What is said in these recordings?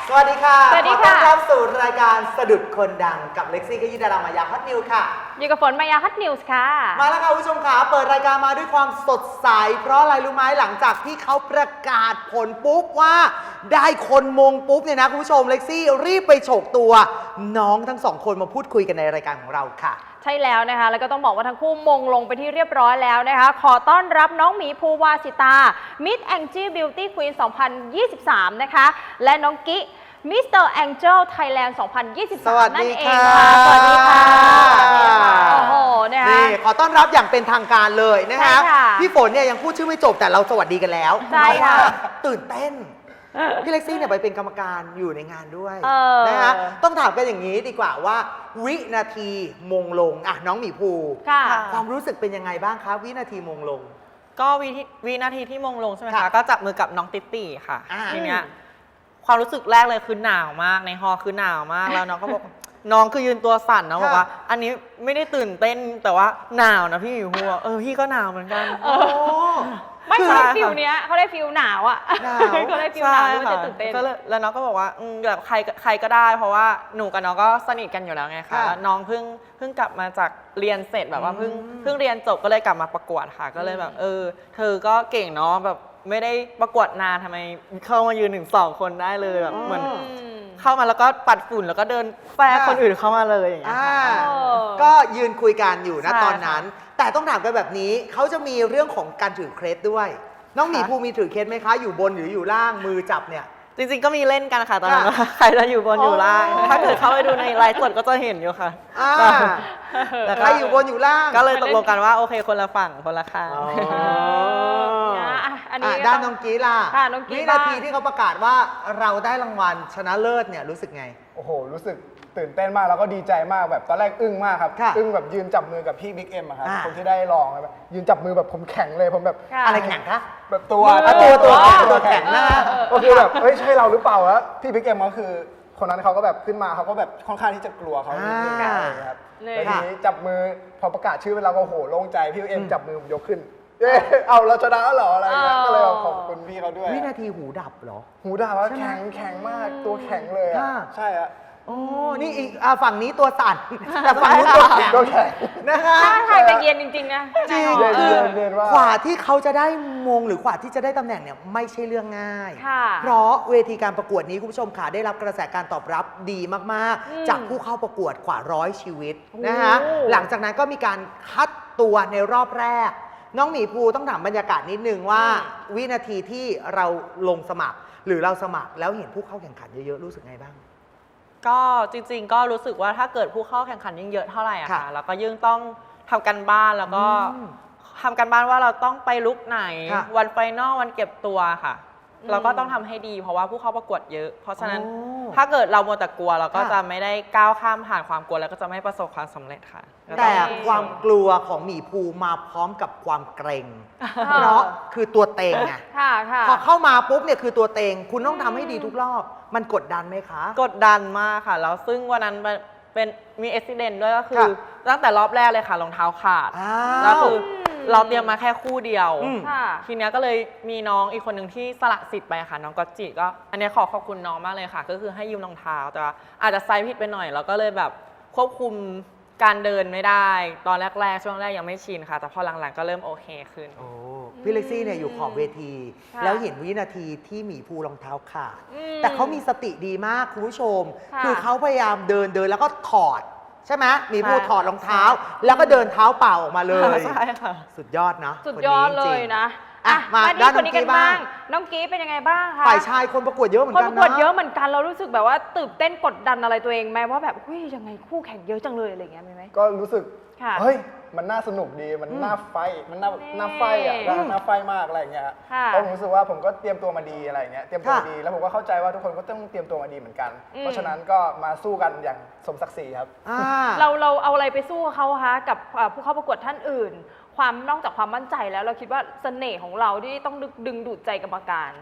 สวัสดีค่ะสวัสดีขอต้อค่ะนรับสู่รายการสะดุดคนดังกับเล็กซี่ขยี้ดารามายาฮอตนิวค่ะอยู่กับฝนมายาฮัตนิวส์ค่ะมาแล้วค่ะคุณผู้ชมค่ะเปิดรายการมาด้วยความสดใสเพราะอะไรรู้ไหมหลังจากที่เขาประกาศผลปุ๊บว่าได้คนมงปุ๊บเนี่ยนะคุณผู้ชมเล็กซี่รีบไปโฉกตัวน้องทั้งสองคนมาพูดคุยกันในรายการของเราค่ะใช่แล้วนะคะ แล้วก็ต้องบอกว่าทั้งคู่มงลงไปที่เรียบร้อยแล้วนะคะ ขอต้อนรับน้องหมีภูวาสิตา Miss Angie Beauty Queen 2023 นะคะ และน้องกิMr. Angel Thailand 2023 นั่นเองค่ะ สวัสดีค่ะ โอ้โห นะคะนี่ขอต้อนรับอย่างเป็นทางการเลยนะคะใช่ค่ะพี่ฝนเนี่ยยังพูดชื่อไม่จบแต่เราสวัสดีกันแล้วใช่ค่ะเพราว่าตื่นเต้น พี่เล็กซี่เนี่ยไปเป็นกรรมการอยู่ในงานด้วยนะคะต้องถามกันอย่างนี้ดีกว่าว่า วินาทีมงลงอ่ะน้องหมีภูค่ะความรู้สึกเป็นยังไงบ้างคะวินาทีมงลงก็วินาทีที่มงลงใช่ไหมค่ะคะก็จับมือกับน้องติ๊ตี้ค่ะอ่าทีเนี้ยความรู้สึกแรกเลยคือหนาวมากในฮอลล์คือหนาวมากแล้วน้องก็บอก น้องคือยืนตัวสั่นนะบอกว่า อันนี้ไม่ได้ตื่นเต้นแต่ว่าหนาวนะพี่หมิวหัวพี่ก็หนาวเหมือนกันโอ้ไม่คือใช่ฟิลเนี้ยเขาได้ฟิลหนาวอ่ะหนาวเขาได้ฟิลหนาวไม่ค่ะจะตื่นเต้นก็เลยแล้วน้องก็บอกว่าแบบใครก็ได้ เพราะว่าหนูกับน้องก็สนิทกันอยู่แล้วไงคะค่ะแล้วน้องเพิ่งกลับมาจากเรียนเสร็จแบบว่าเพิ่งเรียนจบก็เลยกลับมาประกวดค่ะ ก็เลยแบบเธอก็เก่งเนาะแบบไม่ได้ประกวดนานทำไมเข้ามายืนถึง2 คนได้เลยแบบเหมือนเข้ามาแล้วก็ปัดฝุ่นแล้วก็เดินแฝงคนอื่นเข้ามาเลยอย่างเงี้ยอ่าค่ะก็ยืนคุยกันอยู่นะใช่ตอนนั้น แต่ต้องถามกันแบบนี้เขาจะมีเรื่องของการถือเครสด้วย น้องหมีภูมีถือเครสไหมคะ อยู่บนหรืออยู่ล่างมือจับเนี่ยจริงๆก็มีเล่นกันค่ะตอนนั้นค่ะว่าใครจะอยู่บนอยู่ล่างอ๋อถ้าเกิดเข้าไปดูในไลฟ์สดก็จะเห็นอยู่ค่ะอ่าแต่ใครอยู่บนอยู่ล่างก็เลยตกลงกันว่าโอเคคนละฝั่งคนละข้างอ๋ออันนี้ด้านน้องกีล่ะค่ะน้องกีวิบ้างนาทีที่เขาประกาศว่าเราได้รางวัลชนะเลิศเนี่ยรู้สึกไงโอ้โห รู้สึกตื่นเต้นมากแล้วก็ดีใจมากแบบตอนแรกอึ้งมากครับค่ะอึ้งแบบยืนจับมือกับพี่บิ๊กเอ็มอะครับอ่าคนที่ได้รองแบบยืนจับมือแบบผมแข็งเลยผมแบบค่ะอะไรแข่งคะแบบตัวอ่ะตัวแข็งตัวแข็งหน้าก็คือแบบเฮ้ยใช่เราหรือเปล่าแล้วพี่บิ๊กเอ็มก็คือ คนนั้นเขาก็แบบขึ้นมาเขาก็แบบค่อนข้างที่จะกลัวเขานิดนึงอ่าอะไรอย่างเงี้ยครับเลยแล้วทีนี้จับมือพอประกาศชื่อเราก็โหโล่งใจพี่บิ๊กเอ็มจับมือผมยกขึ้นเอ้ยเอาเราชนะแล้วเหรออะไรเงี้ยก็เลยขอบคุณพี่เขาด้วยวินาทีหูดับเหรอหูด่าว่าใช่ไหมแข็งมากตัวแข็งเลยอะค่ะใช่อะโอ้นี่อีกฝั่งนี้ตัวสั่นแต่ฝั่งนู้นตัวแข็งตัวแข็งนะคะถ้าใครจะเย็นจริงๆนะจริงเย็นคือเย็นว่ากว่าที่เขาจะได้มงหรือกว่าที่จะได้ตำแหน่งเนี่ยไม่ใช่เรื่องง่ายค่ะเพราะเวทีการประกวดนี้คุณผู้ชมค่ะได้รับกระแสการตอบรับดีมากๆ จากผู้เข้าประกวดกว่า100 ชีวิตนะคะโอ้หลังจากนั้นก็มีการคัดตัวในรอบแรก น้องหมีภูต้องถามบรรยากาศนิดนึงว่า วินาทีที่เราลงสมัคร หรือเราสมัครแล้วเห็นผู้เข้าแข่งขันเยอะๆรู้สึกไงบ้างก็จริงๆ ก็รู้สึกว่าถ้าเกิดผู้เข้าแข่งขันยิ่งเยอะเท่าไหร่อะค่ะค่ะแล้วก็ยิ่งต้องทำกันบ้านแล้วก็อืมทำกันบ้านว่าเราต้องไปลุกไหนค่ะวันไฟนอลวันเก็บตัวค่ะ เราก็ต้องทำให้ดีเพราะว่าผู้เข้าประกวดเยอะ เพราะฉะนั้นโอ้ถ้าเกิดเรามัวแต่กลัวเราก็ค่ะจะไม่ได้ก้าวข้ามผ่านความกลัวแล้วก็จะไม่ประสบความสำเร็จค่ะก็แต่องความกลัวของหมีภูมาพร้อมกับความเกรงเพราะคือตัวเต็งไงค่ะค่ะพอเข้ามาปุ๊บเนี่ยคือตัวเต็งคุณต้องทำให้ดีทุกรอบ มันกดดันไหมคะกดดันมากค่ะ แล้วซึ่งวันนั้นเป็นมีอุบิเหตุด้วยก็คือค่ะตั้งแต่รอบแรกเลยค่ะรองเท้าขาดอ้าแล้ววคือเราเตรียมมาแค่คู่เดียวอืมค่ะทีเนี้ยก็เลยมีน้องอีกคนหนึ่งที่สละสิทธิ์ไปค่ะ น้องก็จิก็อันเนี้ยขอบคุณน้องมากเลยค่ะ ก็คือให้ยืมรองเท้าแต่ว่าอาจจะไซส์ผิดไปหน่อย แล้วก็เลยแบบควบคุมการเดินไม่ได้ ตอนแรกๆช่วงแรกยังไม่ชินค่ะ แต่พอหลังๆก็เริ่มโอเคขึ้นโอ้พี่เล็กซี่เนี่ยอยู่ขอบเวทีค่ะแล้วเห็นวินาทีที่หมีภูรองเท้าขาดอืมแต่เขามีสติดีมากคุณผู้ชมค่ะคือเขาพยายามเดินแล้วก็ถอด ใช่ไหมหมีภูใช่ถอดรองเท้า แล้วก็เดินเท้าเปล่าออกมาเลยใช่ค่ะสุดยอดนะสุดยอดคนเลนี้จยริงๆนะอ่ะมาที่ด้านคนนี้กันน้องกี้บ้าบ้าง ง น้องกี้เป็นยังไงบ้างคะฝ่ายชายคนประกวดเยอะเหมือนคนกัปนระกวดนะเยอะเหมือนกันเรารู้สึกแบบว่าตื่นเต้นกดดันอะไรตัวเองไหมว่าแบบเฮ้ยยังไงคู่แข่งเยอะจังเลยอะไรอย่างเงี้ยมีไหมก็รู้สึกค่ะเฮ้ย มันน่าสนุกดี มันน่าไฟท์มันน่าไฟท์อ่ะอืมน่าไฟท์มากอะไรอย่างเงี้ยค่ะเพราะผมรู้สึกว่าผมก็เตรียมตัวมาดีอะไรอย่างเงี้ย เตรียมตัวมาค่ะดี แล้วผมก็เข้าใจว่าทุกคนก็ต้องเตรียมตัวมาดีเหมือนกันอืมเพราะฉะนั้นก็มาสู้กันอย่างสมศักดิ์ศรีครับอ่าเราเอาอะไรไปสู้เขาคะกับผู้เข้าประกวดท่านอื่น ความนอกจากความมั่นใจแล้วเราคิดว่าเสน่ห์ของเราที่ต้องดึงดูดใจกรรมการจ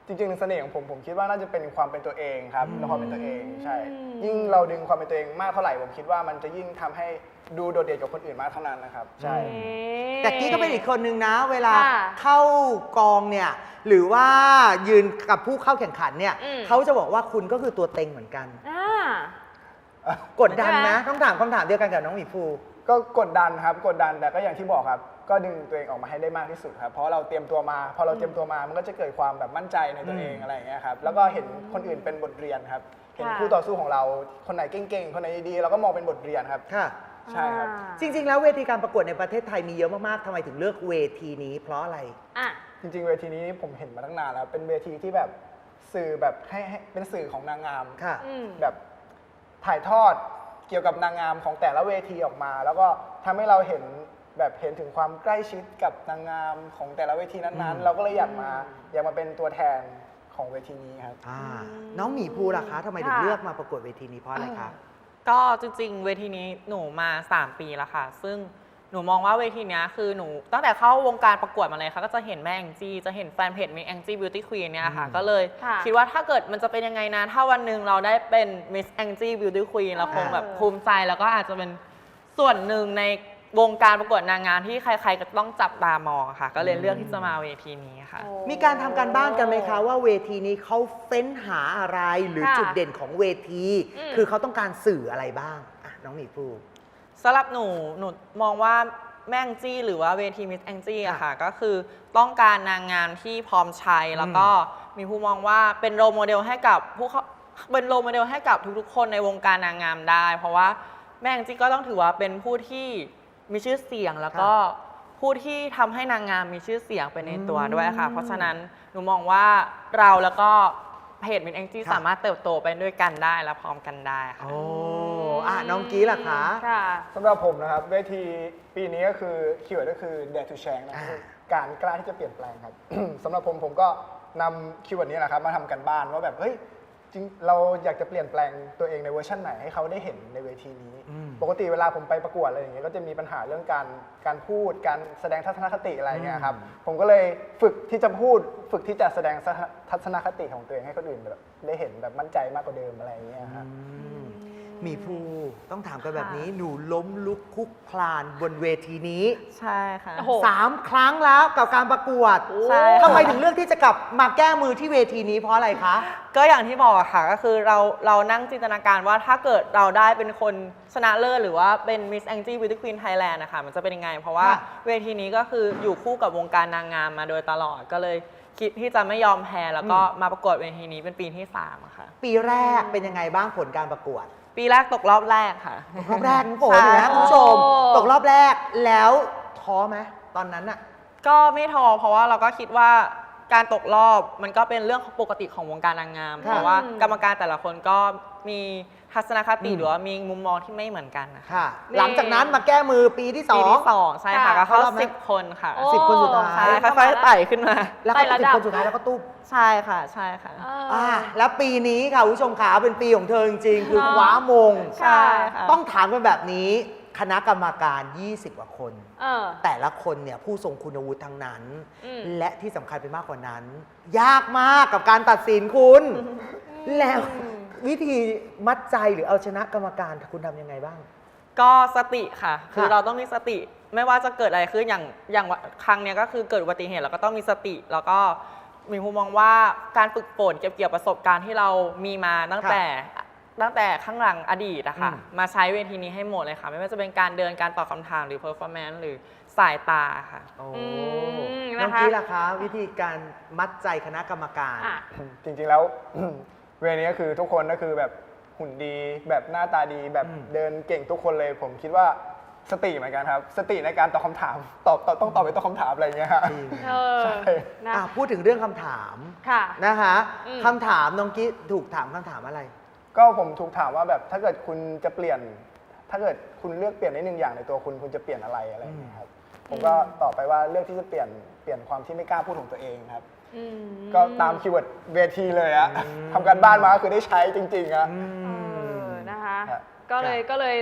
จริงๆเสน่ห์ของผมคิดว่าน่าจะเป็นความเป็นตัวเองครับและความเป็นตัวเองใช่ยิ่งเราดึงความเป็นตัวเองมากเท่าไหร่ผมคิดว่ามันจะยิ่งทำให้ดูโดดเด่นกว่าคนอื่นมากเท่านั้นนะครับใช่แต่กี้ก็เป็นอีกคนนึงนะ เวลาค่ะเข้ากองเนี่ยหรือว่ายืนกับผู้เข้าแข่งขันเนี่ยอืมเขาจะบอกว่าคุณก็คือตัวเต็งเหมือนกันอ่ากดดันใช่ไหมนะต้องถามคำถามเดียวกันกับน้องหมีภูก็กดดันครับกดดันแต่ก็อย่างที่บอกครับก็ดึงตัวเองออกมาให้ได้มากที่สุดครับเพราะเราเตรียมตัวมาพอเราเตรียมตัวมามันก็จะเกิดความแบบมั่นใจในตัวเองอะไรอย่างเงี้ยครับแล้วก็เห็นคนอื่นเป็นบทเรียนครับเห็นค่ะคู่ต่อสู้ของเราคนไหนเก่งๆคนไหนดีๆเราก็มองเป็นบทเรียนครับค่ะใช่ครับจริง ๆ แล้วเวทีการประกวดในประเทศไทยมีเยอะมาก ๆทำไมถึงเลือกเวทีนี้เพราะอะไรอ่ะจริงๆเวทีนี้ผมเห็นมาตั้งนานแล้วเป็นเวทีที่แบบสื่อแบบให้เป็นสื่อของนางงามค่ะอืมแบบถ่ายทอดเกี่ยวกับนางงามของแต่ละเวทีออกมา แล้วก็ทำให้เราเห็นแบบเห็นถึงความใกล้ชิดกับนางงามของแต่ละเวทีนั้นๆ เราก็เลยอยากมาเป็นตัวแทนของเวทีนี้ครับน้องหมีภูล่ะคะทำไมถึงค่ะเลือกมาประกวดเวทีนี้เพราะอะไรคะก็จริงๆ เวทีนี้หนูมา 3 ปีแล้วค่ะ ซึ่งหนูมองว่าเวทีเนี้ยคือหนูตั้งแต่เข้าวงการประกวดมาเลยค่ะก็จะเห็นแม่แองจี้จะเห็นแฟนเพจมีแองจี้บิวตี้ควีนเนี่ยค่ะอืมก็เลยค่ะคิดว่าถ้าเกิดมันจะเป็นยังไงนะถ้าวันหนึ่งเราได้เป็นมิสแองจี้บิวตี้ควีนเราคงแบบภูมิใจแล้วก็อาจจะเป็นส่วนหนึ่งในวงการประกวดนางงามที่ใครๆก็ต้องจับตามองค่ะ ก็เลยเลือกที่จะมาเวทีนี้ค่ะโอ้มีการทำการบ้านกันไหมคะว่าเวทีนี้เขาเฟ้นหาอะไรหรือค่ะจุดเด่นของเวทีอืมคือเขาต้องการสื่ออะไรบ้างอ่ะน้องหมีภูสำหรับหนูมองว่าแม่แองจี้หรือว่าเวทีมิสแองจี้อะค่ะก็คือต้องการนางงามที่พร้อมใช้แล้วก็มีผู้มองว่าเป็นโรลโมเดลให้กับเป็นโรลโมเดลให้กับทุกๆ คนในวงการนางงามได้ เพราะว่าแม่แองจี้ก็ต้องถือว่าเป็นผู้ที่มีชื่อเสียงแล้วก็ผู้ที่ทำให้นางงามมีชื่อเสียงไปในตัวด้วยค่ะ เพราะฉะนั้นหนูมองว่าเราแล้วก็เพจมิสแองจี้สามารถเติบโตไปด้วยกันได้และพร้อมกันได้ค่ะโอ้น้องกี้ล่ะคะค่ะสำหรับผมนะครับเวทีปีนี้ก็คือคีย์เวิร์ดก็คือ dare to change นะคือการกล้าที่จะเปลี่ยนแปลงครับ สำหรับผมก็นำคีย์เวิร์ดนี้แหละครับมาทำกันบ้านว่าแบบเฮ้ยจริงเราอยากจะเปลี่ยนแปลงตัวเองในเวอร์ชันไหนให้เขาได้เห็นในเวทีนี้ ปกติเวลาผมไปประกวดอะไรอย่างเงี้ยก็จะมีปัญหาเรื่องการพูดการแสดงทัศนคติอะไรเงี้ยครับผมก็เลยฝึกที่จะพูดฝึกที่จะแสดงทัศนคติของตัวเองให้คนอื่นแบบได้เห็นแบบมั่นใจมากกว่าเดิมอะไรอย่างเงี้ยครับหมีภูต้องถามกันแบบนี้หนูล้มลุกคลุกคลานบนเวทีนี้ใช่ค่ะโอ้โห 3 ครั้งแล้วกับการประกวดใช่ทำไมถึงเลือกที่จะกลับมาแก้มือที่เวทีนี้เพราะอะไรคะก็อย่างที่บอกอะค่ะก็คือเรานั่งจินตนาการว่าถ้าเกิดเราได้เป็นคนชนะเลิศหรือว่าเป็น Miss Angie Beauty Queen Thailand นะคะมันจะเป็นยังไง เพราะว่าค่ะเวทีนี้ก็คืออยู่คู่กับวงการนางงามมาโดยตลอดก็เลยคิดที่จะไม่ยอมแพ้แล้วก็มาประกวดเวทีนี้เป็นปีที่3อะค่ะปีแรกเป็นยังไงบ้างผลการประกวดปีแรกตกรอบแรกค่ะรอบแรกน้องฝนใช่นะคุณผู้ชมโอ้ตกรอบแรกแล้วท้อไหมตอนนั้นอะก็ไม่ท้อเพราะว่าเราก็คิดว่าการตกรอบมันก็เป็นเรื่องปกติของวงการนางงามค่ะเพราะว่ากรรมการแต่ละคนก็มีทัศนคติหรือว่ามีมุมมองที่ไม่เหมือนกันนะคะค่ะ หลังจากนั้นมาแก้มือปีที่สอปีงที่2ใช่ค่ะค่ะก็เข้าเข้ารอบไหม 10 คนค่ะโอ้ 10 คนสุดท้ายใช่ค่อยๆไต่ขึ้นมาแล้วก็ไต่ระสิบดับคนสุดท้ายแล้วก็ตุ๊บใช่ค่ะใช่ค่ะแล้วปีนี้ค่ะคุณผู้ชมขาเป็นปีของเธอจริงๆ คือเนาะคว้ามงใช่ค่ะต้องถามกันแบบนี้คณะกรรมการ 20 กว่าคนเออแต่ละคนเนี่ยผู้ทรงคุณวุฒิทั้งนั้นอืมและที่สำคัญไปมากกว่านั้น ยากมากกับการตัดสินคุณ แล้ววิธีมัดใจหรือเอาชนะกรรมการคุณทำยังไงบ้างก็สติค่ะ คือค่ะเราต้องมีสติไม่ว่าจะเกิดอะไรขึ้นอย่างครั้งเนี้ยก็คือเกิดอุบัติเหตุเราก็ต้องมีสติ แล้วก็มีมุมมองว่าการฝึกฝนเก็บเกี่ยวประสบการณ์ที่เรามีมาตั้งแต่ข้างหลังอดีตอะค่ะ มาใช้เวทีนี้ให้หมดเลยค่ะ ไม่ว่าจะเป็นการเดินการตอบคำถามหรือ performance หรือสายตาค่ะโอ้มน้องนะคะกี้ล่ะคะ วิธีการมัดใจคณะกรรมการอ่ะจริงๆแล้ว เวรนี้ก็คือทุกคนก็คือแบบหุ่นดีแบบหน้าตาดีแบบอืมเดินเก่งทุกคนเลย ผมคิดว่าสติเหมือนกันครับ สติในการตอบคำถามต้องตอบไปตอบคำถามอะไรอย่างเงี้ยฮะจริงเออใช่นะพูดถึงเรื่องคำถามค่ะนะคะอืมคำถามน้องกี้ถูกถามคำถามอะไรก็ผมถูกถามว่าแบบถ้าเกิดคุณจะเปลี่ยน ถ้าเกิดคุณเลือกเปลี่ยนได้หนึ่งอย่างในตัวคุณจะเปลี่ยนอะไรอะไรอย่างเงี้ยครับผมก็ตอบไปว่าเลือกที่จะเปลี่ยนความที่ไม่กล้าพูดของตัวเองครับอืมก็ตามคีย์เวิร์ดเวทีเลยอะทำการบ้านมาก็คือได้ใช้จริงๆอะเออนะคะครับก็เลย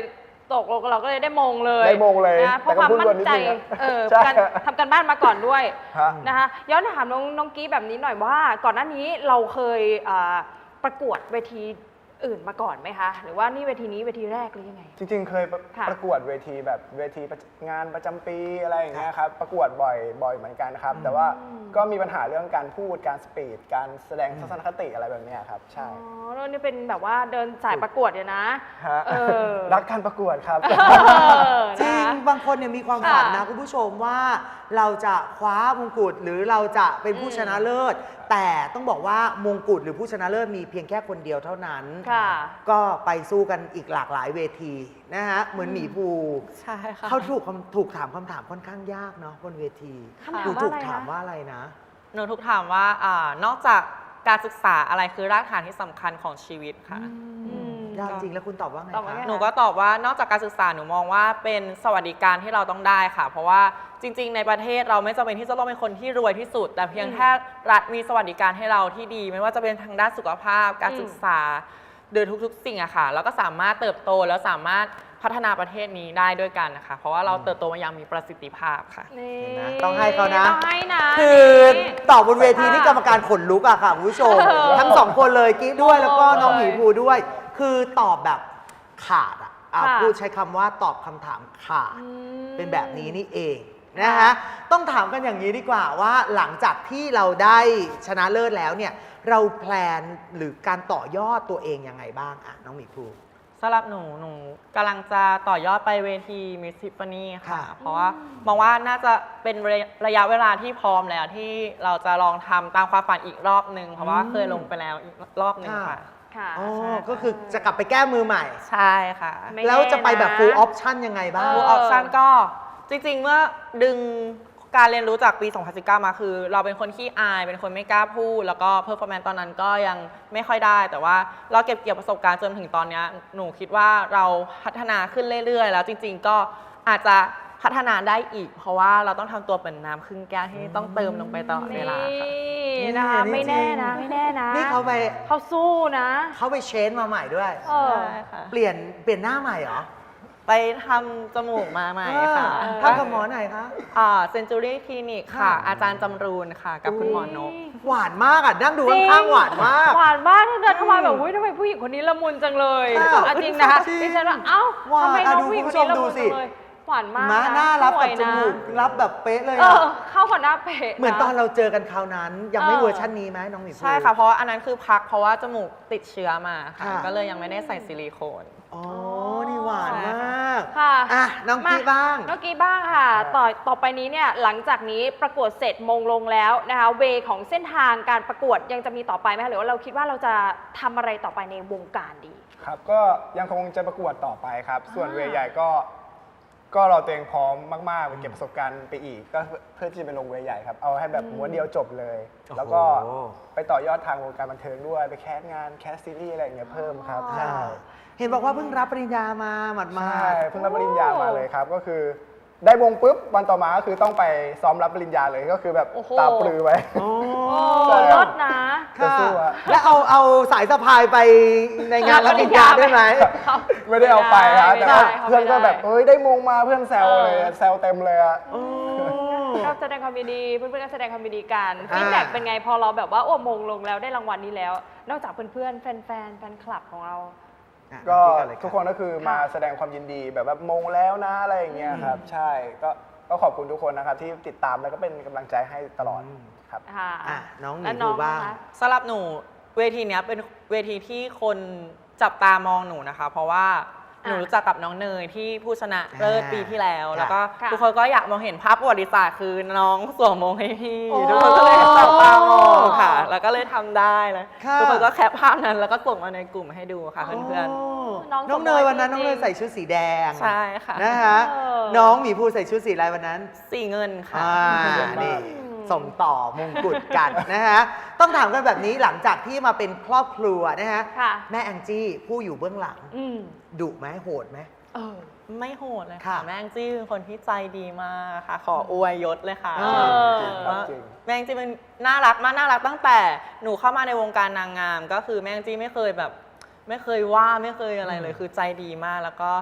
ตกลงเราก็เลยได้มงเลยได้มงเลยนะเพราะความมั่นใจแต่ก็พูดวันนิดนึงนะเพใช่ราะการทำการบ้านมาก่อนด้วยฮะนะคะย้อนถามน้องกี้แบบนี้หน่อยว่า ก่อนหน้านี้เราเคยประกวดเวทีอื่นมาก่อนไหมคะ หรือว่านี่เวทีนี้เวทีแรกหรือยังไงจริงๆ เคยค่ะประกวดเวทีแบบเวทีงานประจำปีอะไรอย่างเงี้ยครับประกวดบ่อยเหมือนกันครับ แต่ว่าก็มีปัญหาเรื่องการพูดการสปีดการแสดงทัศนคติอะไรแบบเนี้ยครับ ใช่อ๋อแล้วนี่เป็นแบบว่าเดินสายประกวดเนี่ยนะฮะเออรักการประกวดครับจริงนะคะบางคนเนี่ยมีความฝันนะค่ะคุณผู้ชมว่าเราจะคว้ามงกุฎหรือเราจะเป็นผู้ชนะเลิศ แต่ต้องบอกว่ามงกุฎหรือผู้ชนะเลิศมีเพียงแค่คนเดียวเท่านั้นค่ะก็ไปสู้กันอีกหลากหลายเวทีนะฮะเหมือนหมีภูใช่ค่ะเขาถูกถามคำถามค่อนข้างยากเนาะบนเวทีคำถามหนูว่าถูกอะไรนะถามว่าอะไรนะหนูถูกถามว่านอกจากการศึกษาอะไรคือรากฐานที่สำคัญของชีวิตค่ะอืมยากจริงแล้วคุณตอบว่าไงตอบว่าคะไงหนูก็ตอบว่านอกจากการศึกษาหนูมองว่าเป็นสวัสดิการที่เราต้องได้ค่ะ เพราะว่าจริง ๆ ในประเทศเราไม่จำเป็นที่จะต้องเป็นคนที่รวยที่สุด แต่เพียงแค่รัฐมีสวัสดิการให้เราที่ดี ไม่ว่าจะเป็นทางด้านสุขภาพ การศึกษาโดยทุกๆสิ่งอะค่ะแล้วก็สามารถเติบโตแล้วสามารถพัฒนาประเทศนี้ได้ด้วยกันนะคะเพราะว่าเราเติบโตมาอย่างมีประสิทธิภาพค่ะนี่เห็นไหมต้องให้เขานะต้องให้นะคือตอบบนเวทีค่ะนี่กรรมการขนลุกอะค่ะคุณผู้ชม ทั้งสองคนเลยกิ๊กด้วยแล้วก็น้องหมีภูด้วย คือตอบแบบขาดอะพูดใช้คำว่าตอบคำถามขาด เป็นแบบนี้นี่เองนะคะต้องถามกันอย่างนี้ดีกว่าว่าหลังจากที่เราได้ชนะเลิศแล้วเนี่ยเราแพลนหรือการต่อยอดตัวเองยังไงบ้างอะน้องหมีภูสำหรับหนูกำลังจะต่อยอดไปเวทีมิสซิฟฟานีค่ะค่ะเพราะว่ามองว่าน่าจะเป็นระยะเวลาที่พร้อมแล้วที่เราจะลองทำตามความฝันอีกรอบหนึ่งเพราะว่าเคยลงไปแล้วอีกรอบหนึ่งค่ะค่ะอ๋อใช่ค่ะก็คือจะกลับไปแก้มือใหม่ใช่ค่ะไม่แล้วจะไปแบบแน่นะ full option ยังไงบ้างฟูลออปชั่นก็จริงๆ เมื่อดึงการเรียนรู้จากปี 2019 มาคือ เราเป็นคนขี้อาย เป็นคนไม่กล้าพูด แล้วก็เพอร์ฟอร์แมนซ์ตอนนั้นก็ยังไม่ค่อยได้ แต่ว่าเราเก็บเกี่ยวประสบการณ์จนถึงตอนเนี้ยหนูคิดว่าเราพัฒนาขึ้นเรื่อยๆ แล้วจริงๆ ก็อาจจะพัฒนาได้อีก เพราะว่าเราต้องทำตัวเป็นน้ำครึ่งแก้วที่ต้องเติมลงไปตลอดเวลาค่ะนี่นะคะนี่ไม่แน่จริงนะไม่แน่นะนี่เขาไปเขาสู้นะเขาไปเชนมาใหม่ด้วยเออใช่ค่ะเปลี่ยนหน้าใหม่เหรอไปทำจมูกมาใหม่ค่ะทำกับหมอไหนคะเซนจูรี่คลินิกค่ะค่ะอาจารย์จำรูนค่ะ กับคุณหมอนกหวานมากอ่ะนั่งดูข้างๆหวานมากหวานมากเดินเข้ามาแบบอุ้ยทำไมผู้หญิงคนนี้ละมุนจังเลยค่ะอ่ะจริงนะคะจริงดิฉันว่าเอ้าหวานทำไมน้องดูผู้หญิงคุคณนผู้ชมนี้ละดูมุนสิจังเลยหวานมากม้าะหน้ารับสวกับยจนะมูกรับแบบเป๊ะเลยเออะอเข้ากับหน้าเป๊ะเหมือนตอนนะเราเจอกันคราวนั้น ยังไม่เออเวอร์ชันนี้ไหมน้องหมีภูใช่ค่ะ เพราะว่าอันนั้นคือพักเพราะว่าจมูกติดเชื้อมาค่ะค่ะก็เลยยังไม่ได้ใส่ซิลิโคนอ๋อ นี่หวานมากค่ะอ่ะน้องกี้บ้างน้องกี้บ้างค่ะ ต่อไปนี้เนี่ยหลังจากนี้ประกวดเสร็จมงลงแล้วนะคะเวของเส้นทางการประกวดยังจะมีต่อไปไหมคะหรือว่าเราคิดว่าเราจะทำอะไรต่อไปในวงการดีครับก็ยังคงจะประกวดต่อไปครับ ส่วนเวใหญ่ก็เราตัวเองพร้อมมากๆไปเก็บประสบการณ์ไปอีก ก็เพื่อที่จะไปลงเวใหญ่ครับ เอาให้แบบม้วนเดียวจบเลยโอ้โหแล้วก็ไปต่อยอดทางวงการบันเทิงด้วย ไปแคสงานแคสซีรีส์อะไรอย่างเงี้ยเพิ่มครับอ๋อใช่เห็นบอกว่าเพิ่งรับปริญญามาหมาใช่ดเพิ่งรับปริญญามาเลยครับ ก็คือได้วงปุ๊บวันต่อมาก็คือต้องไปซ้อมรับปริญญาเลยก็คือแบบโอ้โหตาปลือไว้ๆโอ้โอ้ใช่ครับลดนะจะค่ะสู้อะแล้วเอาสายสะพายไปในงานรับปริญญาได้ไหมไม่ได้เอาไปครับแต่ว่าไม่ได้เพื่อนก็แบบไม่ได้เฮ้ยได้มงมาเพื่อนแซวเลยแซวเต็มเลยอะก็แสดงความยินดีเพื่อนๆก็แสดงความยินดีกันอ่าฟีดแบ็กเป็นไงพอเราแบบว่าโอ้มงลงแล้วได้รางวัลนี้แล้ว นอกจากเพื่อนๆแฟนๆแฟนคลับของเราก็น้องเลยทุกคนก็คือมาแสดงความยินดีแบบว่ามงแล้วนะอะไรอย่างเงี้ยครับ ใช่ก็ขอบคุณทุกคนนะครับที่ติดตามแล้วก็เป็นกำลังใจให้ตลอดครับค่ะอ่ะน้องหมีแล้วภูบ้างนะคะสำหรับหนูเวทีเนี้ยเป็นเวทีที่คนจับตามองหนูนะคะ เพราะว่าหนูรู้จักกับน้องเนยที่ผู้ชนะเลิศปีที่แล้ว แล้วก็ค่ะทุกคนก็อยากมองเห็นภาพประวัติศาสตร์คือน้องสวมมงให้พี่โอ้ทุกคนก็เลยจับตามองค่ะ แล้วก็เลยทำได้เลยค่ะทุกคนก็แคปภาพนั้นแล้วก็ส่งมาในกลุ่มให้ดูค่ะเพื่อนโน้องน้องเนยวันนั้นจน้ริองงๆเนยใส่ชุดสีแดงๆใช่ค่ะนะคะเออน้องหมีภูใส่ชุดสีอะไรวันนั้นสีเงินค่ะนี่ส่งต่อมงกุฎกันนะฮะ ต้องถามกันแบบนี้หลังจากที่มาเป็นครอบครัวนะฮะค่ะแม่แองจี้ผู้อยู่เบื้องหลังอืมดุไหมโหดไหมเออไม่โหดเลยค่ะค่ะ แม่งจี้เป็นคนที่ใจดีมากค่ะ ขออวยยศเลยค่ะเออว่าจริงแม่งจี้เป็นน่ารักมากน่ารักตั้งแต่หนูเข้ามาในวงการนางงาม ก็คือแม่งจี้ไม่เคยแบบ ไม่เคยว่าไม่เคยอะไรเลย คือใจดีมาก แล้วก็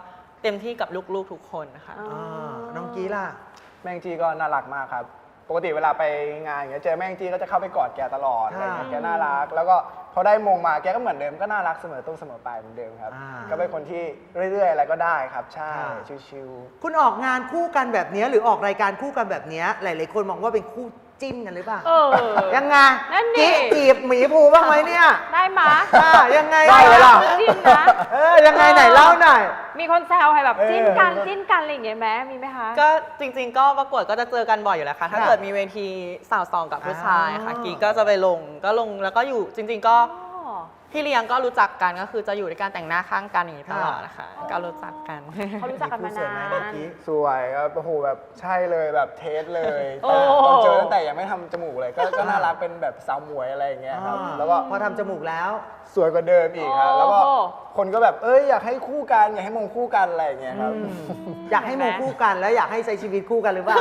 เต็มที่กับลูกๆทุกคนค่ะน้องกี้ล่ะแม่งจีก็น่ารักมากครับ ปกติเวลาไปงานอย่างเงี้ยเจอแม่งจีก็จะเข้าไปกอดแกตลอดอะไรเงี้ยค่ะแกน่ารัก แล้วก็พอได้มงมาแกก็เหมือนเดิมก็น่ารักเสมอต้นเสมอปลายเหมือนเดิมครับ ก็เป็นคนที่เรื่อยๆอะไรก็ได้ครับ ใช่ชิวคุณออกงานคู่กันแบบเนี้ยหรือออกรายการคู่กันแบบเนี้ยหลายๆคนมองว่าเป็นคู่จิ้นกันหรือเปล่าเออยังไงนั่นดิกี้จีบหมีภูบ้างไหมเนี่ยได้มายังไงได้เลยล่ะจิ้นนะยังไงไหนเล่าหน่อยมีคนแซวให้แบบเออจิ้นกันจิ้นกันอะไรอย่างเงี้ยไหมมีไหมคะก็จริงๆ ก็ประกวดก็จะเจอกันบ่อยอยู่แล้วค่ะ ถ้าค่ะเกิดมีเวทีสาวสองกับผู้ชายค่ะอ๋อกีก็จะไปลงแล้วก็อยู่จริง ๆ ก็อ๋อพี่เลี้ยงก็รู้จักกันก็คือจะอยู่ด้วยกันแต่งหน้าข้างกันอย่างนี้ตลอดนะคะอ๋อก็รู้จักกันเขารู้จักกันมาสวยไหมนาเมื่อน กี้ๆ สวยครับโอ้โหแบบใช่เลยแบบเทสเลยโอ้ตอนเจอตั้งแต่ยังไม่ทำจมูกเลย ก็น่ารักเป็นแบบสาวหมวยอะไรอย่างเงี้ยครับ แล้วก็พอทำจมูกแล้วสวยกว่าเดิมอีกครับ แล้วก็โอ้คนก็แบบอยากให้คู่กันอยากให้มงคู่กันอะไรอย่างเงี้ยครับอยากให้มงคู่กันแล้วอยากให้ใช้ชีวิตคู่กันหรือเปล่า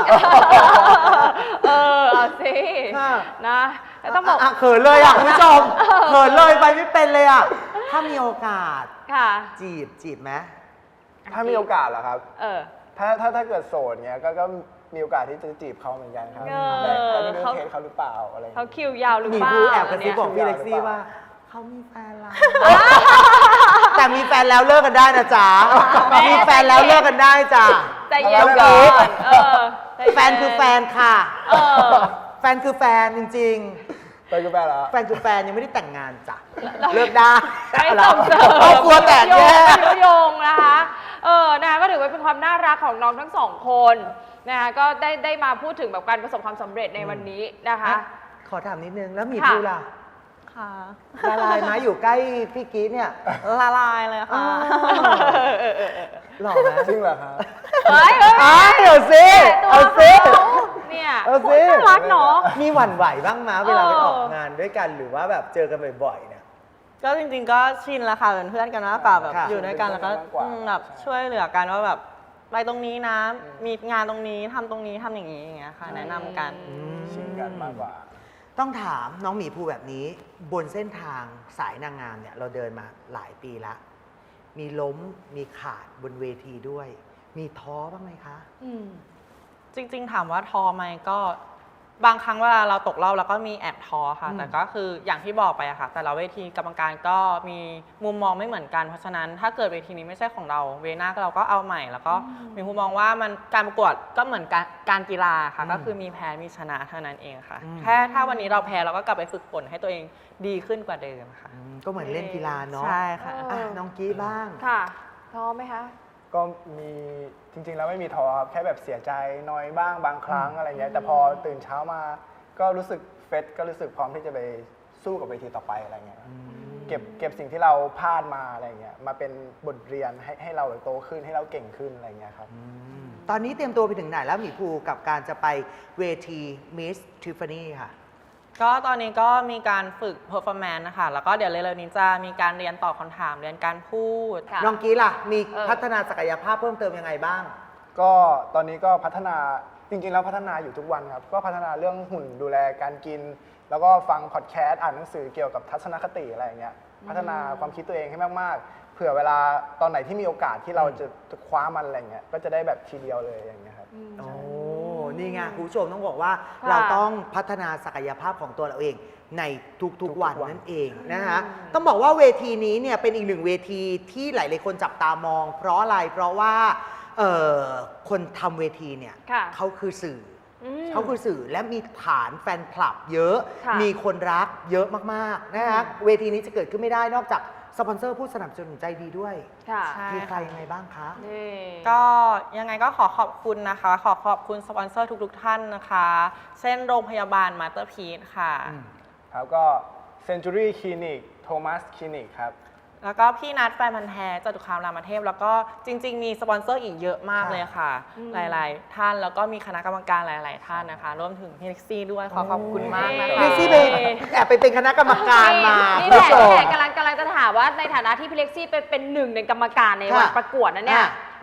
เอาสิค่ะนะแต่ต้องบอกเขินเลยคุณผู้ชมเขินเลยไปไม่เป็นเลยถ้ามีโอกาสค่ะจีบไหมถ้ามีโอกาสเหรอครับเออถ้าเกิดโสดเงี้ยก็มีโอกาสที่จะจีบเขาเหมือนกันครับเออแต่ไม่รู้เขาเทสเขาหรือเปล่าอะไรอย่างเขาเงี้ยคิวยาวหรือหมีเปล่าภูแอบกระซิบบอกเนี่ยพี่เล็กซี่ว่าเขามีแฟนแล้ว แต่มีแฟนแล้วเลิกกันได้นะจ๊ะ มีแฟนแล้วเลิกกันได้จ้ะใจเย็นแล้วก่อกิ๊นเออใจเย็นแฟนคือแฟนค่ะเออแฟนคือแฟนจริงไปกูแปลแล้วๆ แฟนคือแฟนยังไม่ได้แต่งงานจ้ะ เลิกได้ไม่ส่งเสริมครอบครัวแตกแยกยุยงนะคะ นะคะก็ถือว่าเป็นความน่ารักของน้องทั้งสองคนนะคะก็ได้มาพูดถึงแบบการประสบความสำเร็จในวันนี้นะคะขอถามนิดนึง แล้วหมีค่ะภูล่ะค่ะละลายไหมอยู่ใกล้พี่กีดเนี่ยละลายเลยค่ะหล่อไหมจริงเหรอครับเฮ้ยเอาสิ เอาสิเนี่ยเอาสิน่ารักเนาะมีหวั่นไหวบ้างมั้ยเวลาไปเออออกงานด้วยกันหรือว่าแบบเจอกันบ่อยๆเนี่ยก็จริงๆ ก็ชินแล้วค่ะเป็นเพื่อนกันมากกว่าแบบค่ะอยู่ด้วยกันแล้วก็เป็นเพื่อนกันมากกว่าแบบช่วยเหลือกันว่าแบบไปตรงนี้นะมีงานตรงนี้ทำตรงนี้ทำอย่างนี้อย่างเงี้ยค่ะแนะนำกันชินกันมากกว่าต้องถามน้องหมีภูแบบนี้ บนเส้นทางสายนางงามเนี่ยเราเดินมาหลายปีละมีล้มมีขาดบนเวทีด้วย มีท้อบ้างไหมคะอืมจริงๆ ถามว่าท้อไหมก็บางครั้งเวลาเราตกรอบแล้วก็มีแอบท้อค่ะ แต่ก็คืออย่างที่บอกไปอะค่ะ แต่ละเวทีกรรมการก็มีมุมมองไม่เหมือนกัน เพราะฉะนั้นถ้าเกิดเวทีนี้ไม่ใช่ของเราเวหน้าเราก็เอาใหม่ แล้วก็มีมุมมองว่ามันการประกวดก็เหมือนการกีฬาค่ะ ก็คือมีแพ้มีชนะเท่านั้นเองค่ะ แค่ถ้าวันนี้เราแพ้เราก็กลับไปฝึกฝนให้ตัวเองดีขึ้นกว่าเดิมค่ะก็เหมือนเล่นกีฬาเนาะใช่ค่ะอ่ะน้องกี้บ้างค่ะท้อไหมคะก็มีจริงๆแล้วไม่มีท้อครับแค่แบบเสียใจน้อยบ้างบางครั้งอะไรเงี้ยแต่พอตื่นเช้ามาก็รู้สึกเฟสก็รู้สึกพร้อมที่จะไปสู้กับเวทีต่อไปอะไรเงี้ยครับเก็บสิ่งที่เราพลาดมาอะไรเงี้ยมาเป็นบทเรียนให้เราโตขึ้นให้เราเก่งขึ้นอะไรเงี้ยครับตอนนี้เตรียมตัวไปถึงไหนแล้วหมีภูกับการจะไปเวที Miss Tiffany ค่ะก็ตอนนี้ก็มีการฝึก performance นะคะ แล้วก็เดี๋ยวเร็วๆนี้จะมีการเรียนตอบคำถามเรียนการพูดค่ะน้องกี้ล่ะ มีเออพัฒนาศักยภาพเพิ่มเติมยังไงบ้างก็ตอนนี้ก็พัฒนาจริงๆแล้วพัฒนาอยู่ทุกวันครับก็พัฒนาเรื่องหุ่นดูแลการกิน แล้วก็ฟังพอดแคสต์อ่านหนังสือเกี่ยวกับทัศนคติอะไรอย่างเงี้ยพัฒนาความคิดตัวเองให้มากๆ เผื่อเวลาตอนไหนที่มีโอกาสที่เราจะคว้ามันอะไรเงี้ยก็จะได้แบบทีเดียวเลยอย่างเงี้ยครับโอ้ นี่ไงคุณผู้ชมต้องบอกว่าค่ะเราต้องพัฒนาศักยภาพของตัวเราเองในทุกๆวันทุกๆวันนั่นเองนะคะต้องบอกว่าเวทีนี้เนี่ยเป็นอีกหนึ่งเวทีที่หลายๆคนจับตามอง เพราะอะไร เพราะว่าคนทำเวทีเนี่ยค่ะเขาคือสื่ออืมเขาคือสื่อและมีฐานแฟนคลับเยอะค่ะมีคนรักเยอะมากๆนะคะเวทีนี้จะเกิดขึ้นไม่ได้นอกจากสปอนเซอร์ผู้สนับสนุนใจดีด้วยค่ะใช่มีใครยังไงบ้างคะนี่ก็ยังไงก็ขอขอบคุณนะคะ ขอขอบคุณสปอนเซอร์ทุกๆท่านนะคะ เช่นโรงพยาบาลมาสเตอร์พีซค่ะครับก็ Century Clinic Thomas Clinic ครับแล้วก็พี่นัทแฟนพันธ์แท้จตุคามรามเทพ แล้วก็จริง ๆ มีสปอนเซอร์อีกเยอะมากค่ะเลยค่ะ หลายๆ ท่านแล้วก็มีคณะกรรมการหลาย ๆ ท่านนะคะรวมถึงพี่เล็กซี่ด้วยขอขอบคุณมากนะเล็คะกซี่ไปแอบไปเป็นคณะกรรมการมานี่คุณแหละผู้ชมกำลังจะถามว่าในฐานะที่พี่เล็กซี่เป็นหนึ่งในกรรมการในวันค่ะประกวดนั้นเนี่ยอ่ะ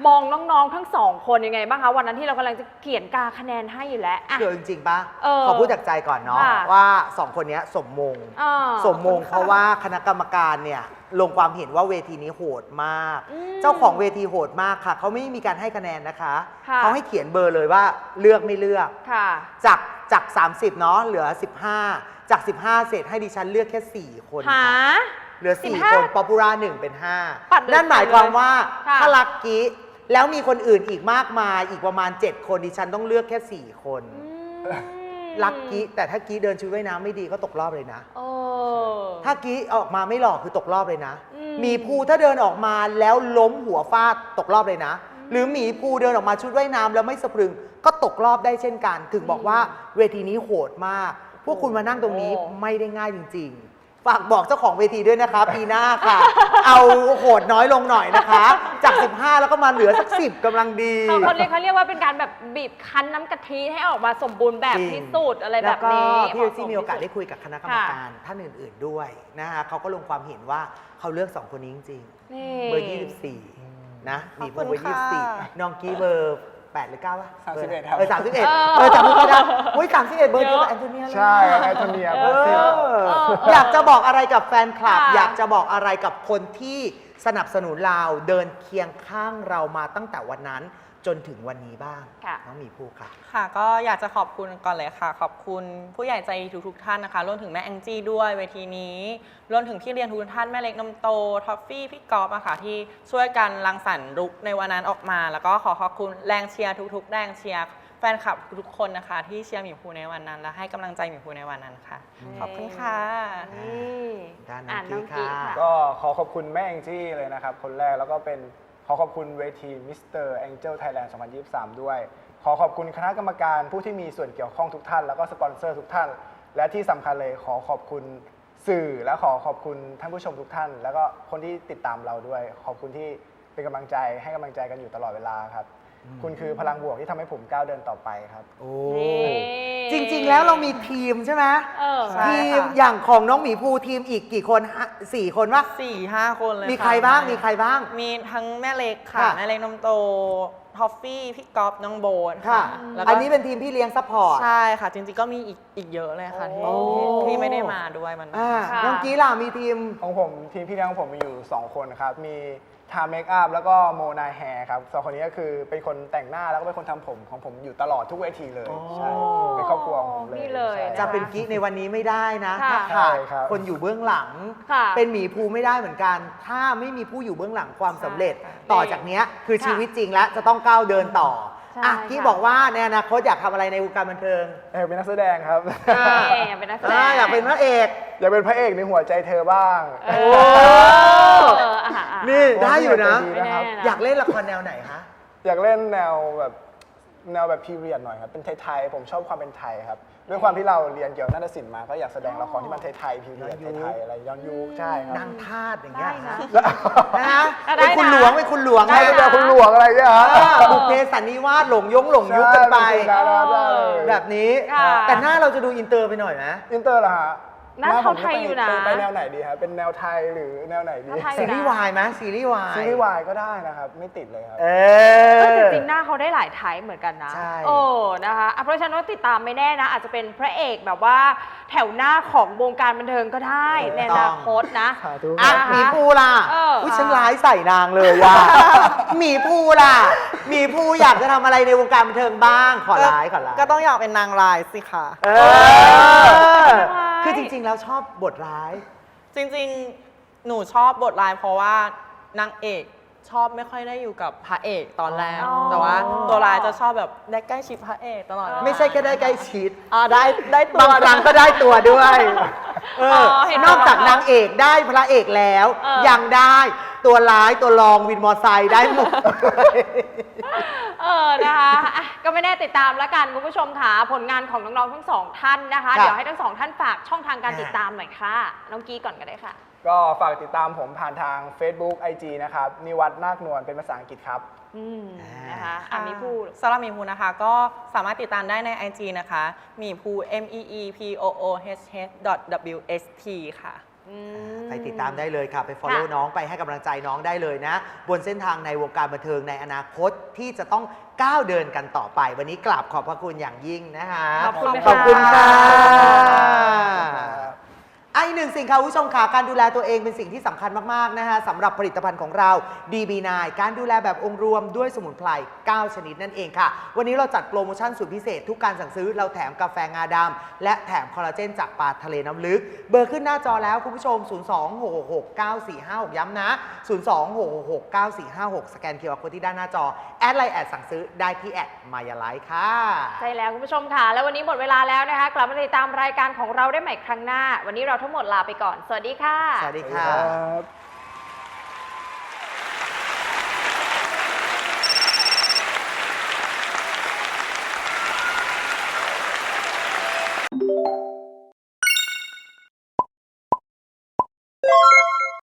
มองน้องๆทั้งสองคนยังไงบ้างคะวันนั้นที่เรากำลังจะเขียนกาคะแนนให้อยู่แล้วอ่ะคือจริงๆปะเออขอพูดจากใจก่อนเนาะค่ะว่า2คนเนี้ยสมมง สมมงเพราะว่าคณะกรรมการเนี่ยลงความเห็นว่าเวทีนี้โหดมาก เจ้าของเวทีโหดมากค่ะเขาไม่มีการให้คะแนนนะคะค่ะเขาให้เขียนเบอร์เลยว่าเลือกไม่เลือกค่ะจาก30เนาะเหลือ 15 จาก 15 เสร็จให้ดิฉันเลือกแค่ 4 คนหาค่ะเหลือ 4 15 คนป๊อปปูล่า1เป็นปัดเลย 5 นั่นหมายความว่าค่ะถ้าลักกี้แล้วมีคนอื่นอีกมากมายอีกประมาณ 7 คนดิฉันต้องเลือกแค่ 4 คน ลักกี้แต่ถ้ากี้เดินชุดว่ายน้ำไม่ดีก็ตกรอบเลยนะโอ้ถ้ากี้ออกมาไม่หล่อคือตกรอบเลยนะอืมหมีภูถ้าเดินออกมาแล้วล้มหัวฟาดตกรอบเลยนะ หรือหมีภูเดินออกมาชุดว่ายน้ำแล้วไม่สะพรึงก็ตกรอบได้เช่นกัน ถึงบอกว่าเวทีนี้โหดมาก พวกคุณมานั่งตรงนี้ไม่ได้ง่ายจริง ๆ ฝากบอกเจ้าของเวทีด้วยนะคะปีหน้าค่ะ เอาโหดน้อยลงหน่อยนะคะ จาก 15 แล้วก็มาเหลือสัก 10กำลังดีเขาเรียกว่าเป็นการแบบบีบคั้นน้ำกะทิให้ออกมาสมบูรณ์แบบที่สุดอะไรแบบนี้แล้วก็พี่เอซี่มีโอกาสเหได้มาะสคุยกับคณะกรรมการท่านอื่น ๆด้วยนะคะเขาก็ลงความเห็นว่าเขาเลือก 2 คนนี้จริงนี่ๆเบอร์ 24 นะมีเบอร์ขอบคุณค่ะ 24 น้องกี้เบอร์ 8 หรือ 9 วะ 31ครับ 31จำไม่ได้อุ้ย31 เบอร์เดียวกับแอนโทเนียเลยใช่ครับแอนโทเนียเอเบอร์สิบอยากจะบอกอะไรกับแฟนคลับค่ะอยากจะบอกอะไรกับคนที่สนับสนุนเราเดินเคียงข้างเรามาตั้งแต่วันนั้นจนถึงวันนี้บ้างค่ะน้องหมีภูค่ะค่ะก็อยากจะขอบคุณก่อนเลยค่ะ ขอบคุณผู้ใหญ่ใจดีทุกๆท่านนะคะรวมถึงแม่แองจี้ด้วยเวทีนี้รวมถึงพี่เรียนทุกท่านแม่เล็กนมโตท็อฟฟี่พี่กอล์ฟอะค่ะที่ช่วยกันรังสรรค์ลุคในวันนั้นออกมา แล้วก็ขอขอบคุณแรงเชียร์ทุกๆแรงเชียร์แฟนคลับทุกคนนะคะ ที่เชียร์หมีภูในวันนั้น และให้กำลังใจหมีภูในวันนั้นค่ะ ขอบคุณค่ะนี่ด้านน้อ่าองน้องกี้กี้ค่ะค่ะก็ขอขอบคุณแม่แองจี้เลยนะครับ คนแรกแล้วก็เป็นขอขอบคุณเวทีมิสเตอร์แองเจิลไทยแลนด์2023 ด้วย ขอขอบคุณคณะกรรมการผู้ที่มีส่วนเกี่ยวข้องทุกท่าน แล้วก็สปอนเซอร์ทุกท่าน และที่สำคัญเลยขอขอบคุณสื่อและขอขอบคุณท่านผู้ชมทุกท่าน แล้วก็คนที่ติดตามเราด้วย ขอบคุณที่เป็นกำลังใจให้กำลังใจกันอยู่ตลอดเวลาครับ คุณคือพลังบวกที่ทำให้ผมก้าวเดินต่อไปครับโอ้นี่จริง ๆ แล้วเรามีทีมใช่ไหมเออใช่ทีมค่ะอย่างของน้องหมีภูทีมอีกกี่คน4 คนวะ 4-5 คนเลยมีค่ะใครบ้างมีใครบ้างมีทั้งแม่เล็กค่ะค่ะแม่เล็กนมโตท็อฟฟี่พี่กอล์ฟน้องโบนค่ะแล้วก็อันนี้เป็นทีมพี่เลี้ยงซัพพอร์ตใช่ค่ะ จริงๆก็มีอีกเยอะเลยค่ะที่โอ้ที่ไม่ได้มาด้วยมันค่ะน้องกี้ล่ะมีทีมของผมทีมพี่เลี้ยงของผมมีอยู่ 2 คนครับ มีทาเมคอัพแล้วก็โมนาแฮร์ครับสองคนนี้ก็คือเป็นคนแต่งหน้าแล้วก็เป็นคนทำผมของผมอยู่ตลอดทุกเวทีเลยอ๋อใช่เป็นครอบครัวของผมเลยนี่เลยใช่จะเป็นกี้ในวันนี้ไม่ได้นะค่ะถ้าขาดใช่ครับคนอยู่เบื้องหลังค่ะเป็นหมีภูไม่ได้เหมือนกัน ถ้าไม่มีผู้อยู่เบื้องหลังความสำเร็จใช่ต่อจากเนี้ยคือค่ะชีวิตจริงแล้วจะต้องก้าวเดินต่อใช่อ่ะกี้ค่ะบอกว่าในอนาคตอยากทำอะไรในวงการบันเทิงเป็นนักแสดงครับอยากเป็นนักแสดงอยากเป็นพระเอกอยากเป็นพระเอกในหัวใจเธอบ้างเอโอ้อนี่ได้อยู่นะดีนะครับไม่แน่นะอยากเล่นละครแนวไหนคะอยากเล่นแนวแบบพีเรียดหน่อยครับ เป็นไทยๆ ผมชอบความเป็นไทยครับ ด้วยความที่เราเรียนเกี่ยวกับนาฏศิลป์มา ก็อยากแสดงละครที่มันไทยๆ พีเรียดย้อนยุคไทยๆ อะไรย้อนยุคใช่ครับนางทาสอย่างเงี้ยได้นะนะฮะได้เป็นคุณนะหลวงเป็นคุณหลวงใช่ให้เป็นแบบคุณหลวงอะไรเงี้ยฮะบุพเพสันนิวาสหลงยุคกันไปใช่เป็นคุณดาราได้เลยแบบนี้ค่ะแต่หน้าเราจะดูอินเตอร์ไปหน่อยนะอินเตอร์เหรอฮะหน้าผมไทยอยู่นะไปแนวไหนดีครับ เป็นแนวไทยหรือแนวไหนดีหน้าไทยซีรีส์วายไหมซีรีส์วายซีรีส์วายก็ได้นะครับ ไม่ติดเลยครับเอก็จอริงๆหน้าเขาได้หลายไทป์เหมือนกันนะใช่โอ้นะคะอ่ะเพราะฉะนั้นก็ติดตามไม่แน่นะ อาจจะเป็นพระเอกแบบว่าแถวหน้าของวงการบันเทิงก็ได้ในอนาคตนะสาธุอ่ะนะคะหมีภูล่ะเอออุ๊ยฉันร้ายใส่นางเลยว่ะ หมีภูล่ะหมีภูอยากจะทำอะไรในวงการบันเทิงบ้าง ขอร้ายก็ต้องอยากเป็นนางร้ายสิค่ะเออ คือจริงๆแล้วชอบบทร้ายจริงๆ หนูชอบบทร้ายเพราะว่านางเอกชอบไม่ค่อยได้อยู่กับพระเอกตอนแรกอ๋อแต่ว่าตัวร้ายจะชอบแบบได้ใกล้ชิดพระเอกตลอดเวลาไม่ใช่แค่ได้ใกล้ชิดได้ตัวบางครั้งก็ได้ตัวด้วยเห็นนอกจากนางเอกได้พระเอกแล้ว ยังได้ตัวร้ายตัวรองวินมอไซค์ได้หมดนะคะอ่ะก็ไม่แน่ติดตามแล้วกันคุณผู้ชมค่ะผลงานของน้องๆทั้งสองท่านนะคะครับเดี๋ยวให้ทั้งสองท่านฝากช่องทางการติดตามหน่อยค่ะน้องกี้ก่อนก็ได้ค่ะก็ฝากติดตามผมผ่านทาง Facebook IG นะครับ นิวัฒน์นาคนวลเป็นภาษาอังกฤษครับนะคะอ่ะมีพูดสำหรับหมีภูนะคะ ก็สามารถติดตามได้ใน IG นะคะหมีภู MEEPOOH.WST ค่ะไปติดตามได้เลยค่ะ ไป follow น้องไปให้กำลังใจน้องได้เลยนะ บนเส้นทางในวงการบันเทิงในอนาคตที่จะต้องก้าวเดินกันต่อไป วันนี้กราบขอบพระคุณอย่างยิ่งนะคะขอบคุณขอบคุณค่ะค่ะอีกหนึ่งสิ่งค่ะคุณผู้ชมค่ะการดูแลตัวเองเป็นสิ่งที่สำคัญมากๆนะคะสำหรับผลิตภัณฑ์ของเรา DB9 การดูแลแบบองค์รวมด้วยสมุนไพร 9 ชนิดนั่นเองค่ะ วันนี้เราจัดโปรโมชั่นสุดพิเศษทุกการสั่งซื้อเราแถมกาแฟงาดำและแถมคอลลาเจนจากปลาทะเลน้ำลึก เบอร์ขึ้นหน้าจอแล้วคุณผู้ชม 026694456 ย้ำนะ 026694456 สแกน QR Code ที่ด้านหน้าจอแอดไลน์แอดสั่งซื้อได้ที่แอดมายาไลฟ์ค่ะใช่แล้วคุณผู้ชมค่ะ แล้ววันนี้หมดเวลาแล้วนะคะ กลับมาติดตามรายการของเราได้ใหม่ครั้งหน้า วันนี้เราทั้งหมดลาไปก่อน สวัสดีค่ะสวัสดีคค่ะรับ